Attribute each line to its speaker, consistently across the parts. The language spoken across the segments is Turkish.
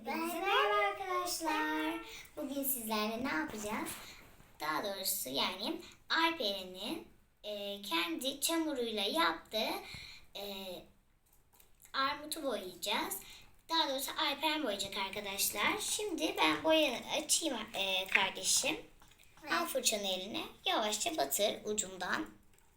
Speaker 1: Hepinize merhaba arkadaşlar. Bugün sizlerle ne yapacağız? Daha doğrusu yani Alperen'in kendi çamuruyla yaptığı armutu boyayacağız. Daha doğrusu Alperen boyayacak arkadaşlar. Şimdi ben boyanı açayım kardeşim. Al fırçanı eline. Yavaşça batır ucundan.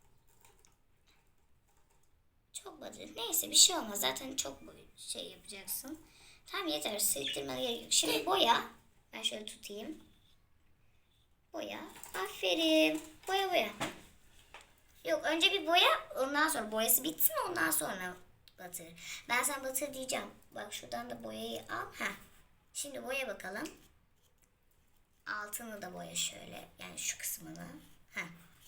Speaker 1: Çok batır. Neyse bir şey olmaz. Zaten çok şey yapacaksın. Tamam yeter. Sildirmene gerek yok. Şimdi boya. Ben şöyle tutayım. Boya. Aferin. Boya boya. Yok önce bir boya. Ondan sonra boyası bitsin. Ondan sonra batır. Ben sana batır diyeceğim. Bak şuradan da boyayı al. Heh. Şimdi boya bakalım. Altını da boya şöyle. Yani şu kısmını. Heh.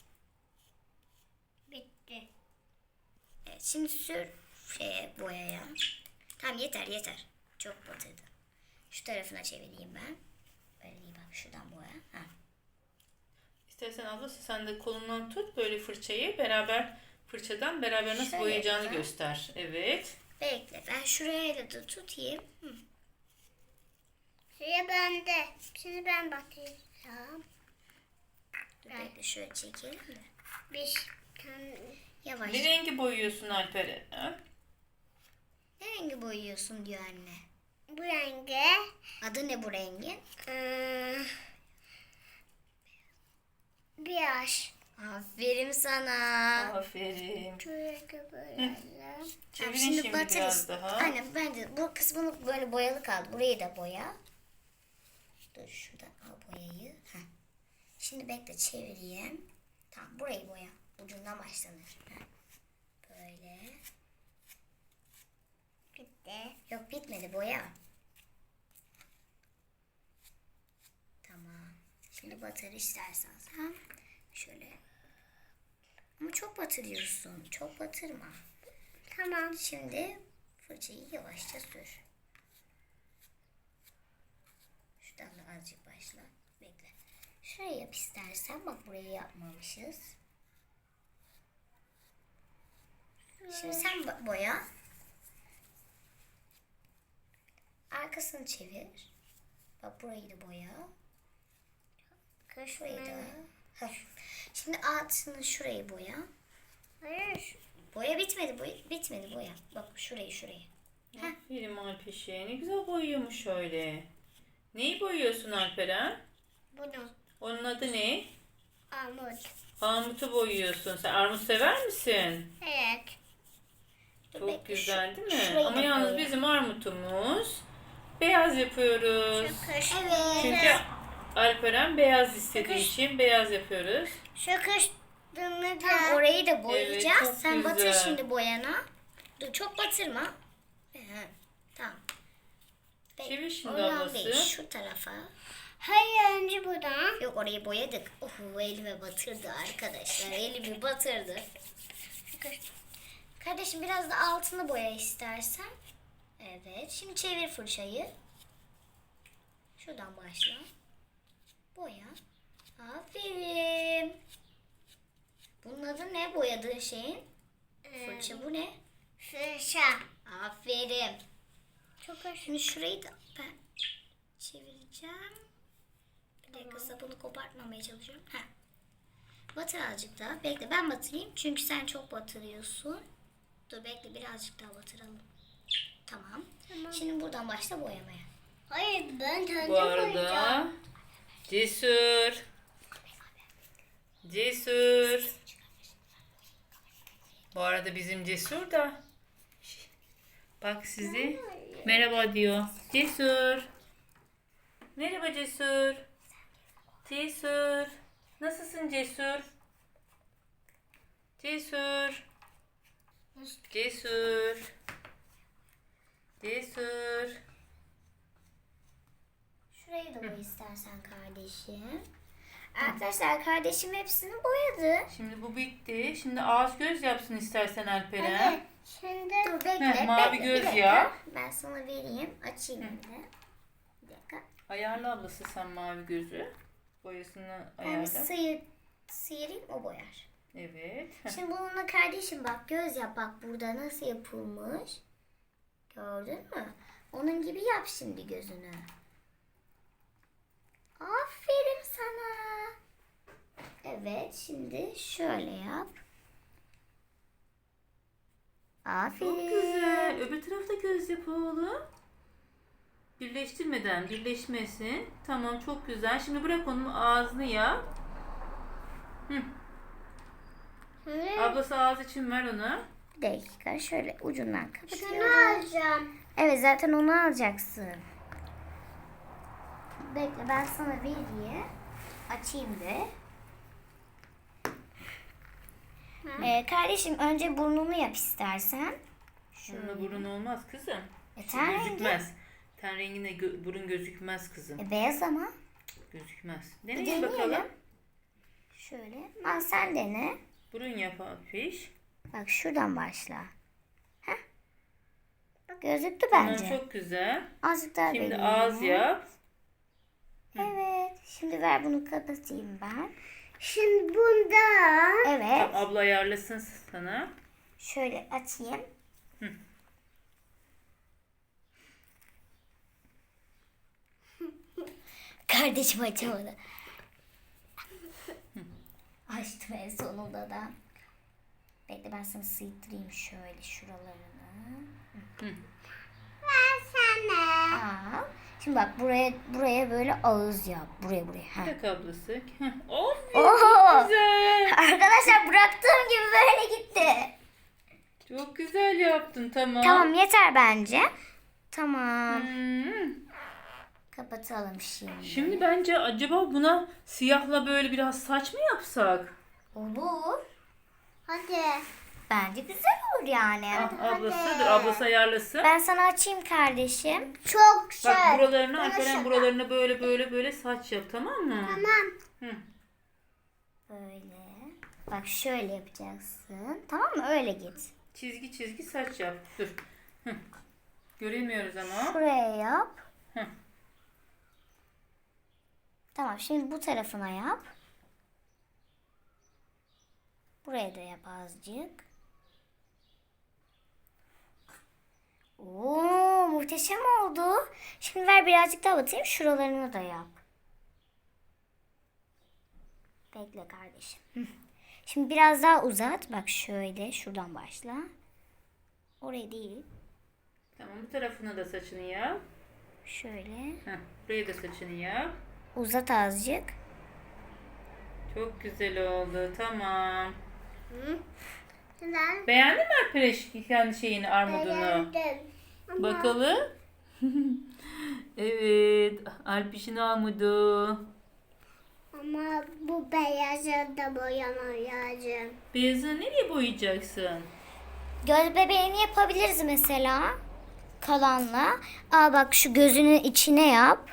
Speaker 2: Bitti.
Speaker 1: Evet, şimdi sür boyaya. Tamam yeter yeter. Çok batırdı. Şu tarafına çevireyim ben. Böyle iyi bak şuradan boya. Ha.
Speaker 3: İstersen abla sen de kolundan tut böyle fırçayı fırçadan beraber nasıl
Speaker 1: Şöyle
Speaker 3: boyayacağını
Speaker 1: yapalım.
Speaker 3: göster. Evet.
Speaker 1: Bekle ben şuraya da tutayım. Hı.
Speaker 2: Sıra bende. Şimdi ben bakacağım.
Speaker 1: Dur bekle şöyle çekelim de.
Speaker 2: Bir tane.
Speaker 1: Yavaş.
Speaker 3: Ne rengi boyuyorsun Alperen? Ha?
Speaker 1: Ne rengi boyuyorsun diyor anne.
Speaker 2: Bu renge
Speaker 1: Adı ne bu rengin?
Speaker 2: beyaz.
Speaker 1: Aferin sana.
Speaker 3: Aferin.
Speaker 2: Şöyle böyle.
Speaker 3: Çevirin
Speaker 1: Şimdi
Speaker 3: şimdi
Speaker 1: batırırız.
Speaker 3: biraz daha.
Speaker 1: Aynen bence bu kısmını böyle boyalı kaldı. Burayı da boya. Dur şuradan al boyayı. Heh. Şimdi bekle çevireyim. Tamam burayı boya. Ucundan başlanır. Heh. Böyle.
Speaker 2: Bitti.
Speaker 1: Yok bitmedi boya. Tamam. Şimdi batır istersen sen. Şöyle. Ama çok batırıyorsun. Çok batırma.
Speaker 2: Tamam.
Speaker 1: Şimdi fırçayı yavaşça sür. Şuradan da azıcık başla. Bekle. Şurayı yap istersen. Bak burayı yapmamışız. Şimdi sen boya. Arkasını çevir. Bak burayı da boya. Şurayı da. Heh. Şimdi altını şurayı boya.
Speaker 2: Hayır.
Speaker 1: Boya bitmedi. Bitmedi boya. Bak şurayı.
Speaker 3: Aferin Alpeşe. Ne güzel boyuyormuş öyle. Neyi boyuyorsun Alperen?
Speaker 2: Bunu.
Speaker 3: Onun adı ne?
Speaker 2: Armut.
Speaker 3: Armutu boyuyorsun. Sen armut sever misin?
Speaker 2: Evet.
Speaker 1: Dur
Speaker 3: Çok
Speaker 1: bekle,
Speaker 3: güzel değil mi?
Speaker 1: şurayı
Speaker 3: Ama
Speaker 1: da
Speaker 3: yalnız
Speaker 1: boya.
Speaker 3: bizim armutumuz beyaz yapıyoruz.
Speaker 2: Kış.
Speaker 1: Evet.
Speaker 3: Çünkü Alperen beyaz istediği
Speaker 2: Kış.
Speaker 3: için beyaz yapıyoruz.
Speaker 2: Şu kıştığını
Speaker 1: Tamam
Speaker 2: da.
Speaker 1: orayı da boyayacağız.
Speaker 3: Evet, çok
Speaker 1: Sen batır
Speaker 3: güzel.
Speaker 1: şimdi boyana. Dur çok batırma. Tamam.
Speaker 3: Çevir şimdi
Speaker 1: Oradan
Speaker 3: ablası.
Speaker 1: değil şu tarafa.
Speaker 2: Hayır önce buradan.
Speaker 1: Yok orayı boyadık. Elime batırdı arkadaşlar. Elimi batırdı.
Speaker 2: Şu kış.
Speaker 1: Kardeşim biraz da altını boya istersen. Evet. Şimdi çevir fırçayı. Şuradan başla. Boya. Aferin. Bunun adı ne boyadığın şeyin? Fırça bu ne?
Speaker 2: Fırça.
Speaker 1: Aferin.
Speaker 2: Çok hoş.
Speaker 1: Şimdi şurayı da ben çevireceğim. Bir dakika sapını kopartmamaya çalışıyorum. Heh. Batır azıcık daha. Bekle ben batırayım. Çünkü sen çok batırıyorsun. Dur bekle birazcık daha batıralım. Tamam. Şimdi buradan başla boyamaya.
Speaker 2: Hayır ben kendim
Speaker 3: Bu arada
Speaker 2: boyayacağım.
Speaker 3: Cesur. Bu arada bizim Cesur da bak sizi merhaba diyor. Cesur. Merhaba Cesur. Cesur. Nasılsın Cesur? Cesur. Cesur. Cesur.
Speaker 1: Şurayı da boy istersen kardeşim. Arkadaşlar kardeşim hepsini boyadı.
Speaker 3: Şimdi bu bitti. Şimdi ağız göz yapsın istersen Alperen.
Speaker 2: Hadi. Şimdi
Speaker 1: Dur bekle.
Speaker 3: Heh, mavi
Speaker 1: bekle,
Speaker 3: göz
Speaker 1: bir dakika.
Speaker 3: yap.
Speaker 1: Ben sana vereyim. Açayım şimdi. Bir dakika.
Speaker 3: Ayarla ablası sen mavi gözü. Boyasını
Speaker 1: Ben
Speaker 3: ayarla.
Speaker 1: sıyırayım o boyar.
Speaker 3: Evet.
Speaker 1: Şimdi bununla kardeşim bak göz yap bak burada nasıl yapılmış. Gördün mü? Onun gibi yap şimdi gözünü. Aferin sana. Evet, şimdi şöyle yap. Aferin.
Speaker 3: Çok güzel. Öbür tarafta göz yap oğlum. Birleştirmeden birleşmesin. Tamam, çok güzel. Şimdi bırak onun ağzını yap. Hı. Ablası ağız için ver ona.
Speaker 1: Bir dakika, şöyle ucundan
Speaker 2: Şunu
Speaker 1: kapatıyorum.
Speaker 2: alacağım.
Speaker 1: Evet, zaten onu alacaksın. Bekle, ben sana vereyim. Açayım de. Kardeşim, önce burnunu yap istersen.
Speaker 3: Şununla burun olmaz kızım.
Speaker 1: Ten rengi.
Speaker 3: Gözükmez. Ten renginde burun gözükmez kızım.
Speaker 1: Beyaz ama.
Speaker 3: Gözükmez.
Speaker 1: Bir
Speaker 3: Deneyin
Speaker 1: deneyelim.
Speaker 3: bakalım.
Speaker 1: Şöyle. Al sen dene.
Speaker 3: Burun yap Alpiş.
Speaker 1: Bak şuradan başla. Heh. Gözüktü
Speaker 3: Tamam,
Speaker 1: bence.
Speaker 3: çok güzel.
Speaker 1: Azıcık daha
Speaker 3: Şimdi
Speaker 1: vereyim.
Speaker 3: ağız yap.
Speaker 1: Evet. Şimdi ver bunu kapatayım ben.
Speaker 2: Şimdi bundan.
Speaker 1: Evet.
Speaker 3: Tamam, abla ayarlasın sana.
Speaker 1: Şöyle açayım.
Speaker 3: Hı.
Speaker 1: Kardeşim açamadı. Açtım en sonunda da. Bekle, ben sana sıyıttırayım şöyle şuralarını.
Speaker 2: Ben sana.
Speaker 1: Al. Şimdi bak, buraya böyle ağız yap. Buraya. Heh.
Speaker 3: Tak ablası. Of,
Speaker 1: Oho!
Speaker 3: güzel.
Speaker 1: Arkadaşlar, bıraktığım gibi böyle gitti.
Speaker 3: Çok güzel yaptın, tamam.
Speaker 1: Tamam, yeter bence. Tamam.
Speaker 3: Hmm.
Speaker 1: Kapatalım şimdi.
Speaker 3: Şimdi bence acaba buna siyahla böyle biraz saç mı yapsak?
Speaker 1: Olur.
Speaker 2: Hadi.
Speaker 1: Bence güzel olur yani.
Speaker 3: Ablası ayarlasın.
Speaker 1: Ben sana açayım kardeşim.
Speaker 2: Çok
Speaker 3: Bak
Speaker 2: güzel.
Speaker 3: buralarına, Alperen buralarına böyle saç yap, tamam mı?
Speaker 2: Tamam.
Speaker 3: Hı.
Speaker 1: Böyle. Bak şöyle yapacaksın. Tamam mı? Öyle git.
Speaker 3: Çizgi saç yap. Dur. Hı. Göremiyoruz ama.
Speaker 1: Şuraya yap.
Speaker 3: Hı.
Speaker 1: Tamam, şimdi bu tarafına yap. Buraya da yap azıcık. Oo, muhteşem oldu. Şimdi ver birazcık daha batayım. Şuralarını da yap. Bekle kardeşim. Hı. Şimdi biraz daha uzat. Bak şöyle, şuradan başla. Oraya değil.
Speaker 3: Tamam, bu tarafına da saçını yap.
Speaker 1: Şöyle.
Speaker 3: Heh, buraya da saçını yap.
Speaker 1: Uzat azıcık.
Speaker 3: Çok güzel oldu, tamam.
Speaker 2: Güzel.
Speaker 3: Beğendin mi Alperen kendi şeyini, armudunu?
Speaker 2: Beğendim. Ama
Speaker 3: Bakalım. Evet, Alpiş'in armudu.
Speaker 2: Ama bu beyazı da boyamayacağım.
Speaker 3: Beyazını nereye boyayacaksın?
Speaker 1: Göz bebeğini yapabiliriz mesela. Kalanla. Aa bak, şu gözünün içine yap.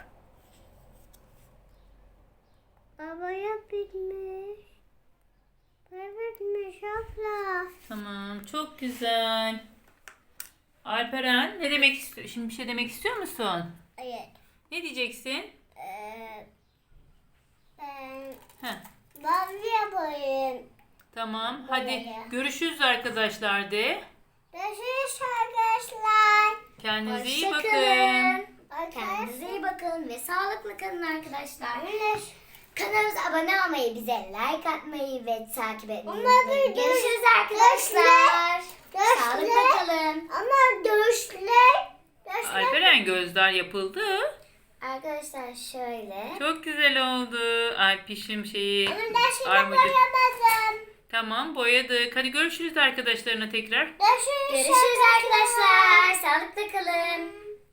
Speaker 2: Baba bitmiş. Bitmiş abla.
Speaker 3: Tamam, çok güzel. Alperen, ne demek istiyor? Şimdi bir şey demek istiyor musun?
Speaker 2: Evet.
Speaker 3: Ne diyeceksin?
Speaker 2: Ben
Speaker 3: Heh,
Speaker 2: mavi yapayım.
Speaker 3: tamam, hadi
Speaker 2: Böyle.
Speaker 3: görüşürüz arkadaşlar de.
Speaker 2: Görüşürüz arkadaşlar.
Speaker 3: Kendinize iyi
Speaker 1: Hoşça
Speaker 3: bakın.
Speaker 1: kalın.
Speaker 2: Arkadaşlar.
Speaker 1: Kendinize iyi bakın ve sağlıklı kalın arkadaşlar.
Speaker 2: Güneş.
Speaker 1: Kanalımıza abone olmayı, bize like atmayı ve takip etmeyi
Speaker 2: Ama
Speaker 1: unutmayın.
Speaker 2: bir
Speaker 1: Görüşürüz arkadaşlar.
Speaker 2: Görüşürüz.
Speaker 1: Sağlıkla kalın.
Speaker 2: Ama görüşler.
Speaker 3: Alperen, gözler yapıldı.
Speaker 1: Arkadaşlar şöyle.
Speaker 3: Çok güzel oldu. Alpişim şeyi,
Speaker 2: Ben şimdi
Speaker 3: armudu.
Speaker 2: boyamadım.
Speaker 3: Tamam, boyadık. Hadi görüşürüz arkadaşlarına tekrar.
Speaker 2: Görüşürüz.
Speaker 1: Görüşürüz arkadaşlar. Sağlıkla kalın.